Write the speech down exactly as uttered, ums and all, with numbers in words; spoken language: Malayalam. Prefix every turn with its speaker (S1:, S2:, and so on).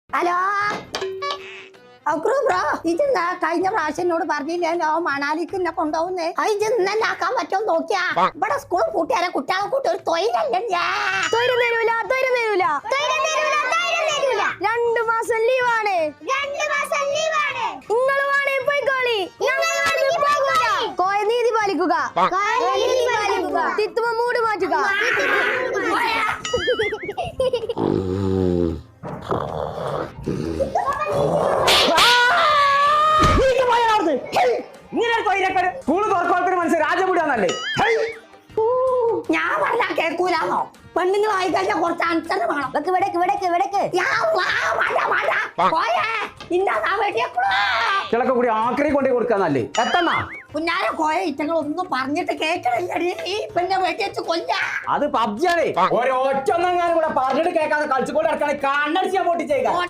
S1: ഹലോ ബ്രോ ഇതെന്താ കഴിഞ്ഞ പ്രാവശ്യം എന്നോട് പറഞ്ഞില്ലല്ലോ മണാലിക്ക് എന്നെ കൊണ്ടുപോകുന്നേ അത് ഇന്നെ ആക്കാൻ പറ്റുമോ നോക്കിയാ ഇവിടെ സ്കൂൾ കൂട്ടിയാലെ കുട്ടികളെ കൂട്ടി ഒരു തൊഴിലല്ലേ
S2: രണ്ടു മാസം ലീവാണ് നിങ്ങൾ വേണേ പോയിക്കോളി കോയ നീതി പാലിക്കുക തിത്തുമ മൂട് മാറ്റുക
S3: സ്കൂള് തുറക്കോളത്തിന് മനസ്സിൽ രാജപുടിയാന്നല്ലേ
S1: ഞാൻ പറഞ്ഞാ കേൾക്കൂലാന്നോ പെണ്ണുങ്ങളായി കഴിഞ്ഞാൽ കുറച്ച് അനുസരണ വേണം
S3: ചിലക്കെ കൂടി ആക്രി കൊണ്ടേ കൊടുക്കാന്നല്ലേ എത്തണ്ണ
S1: കുഞ്ഞാരെ കോയ ഇറ്റങ്ങൾ ഒന്നും പറഞ്ഞിട്ട് കേൾക്കണില്ലടി ഈ പെണ്ണെ വെട്ടി വെച്ച് കൊല്ല
S3: അത് പബ്ജിയാണേ ഒരൊറ്റൊന്നെങ്ങാനും കൂടെ പറഞ്ഞിട്ട് കേൾക്കാതെ കളിച്ചുകൊണ്ട് നടക്കണേ കണ്ണടിച്ച് ഞാൻ പൊട്ടിച്ചേക്കാം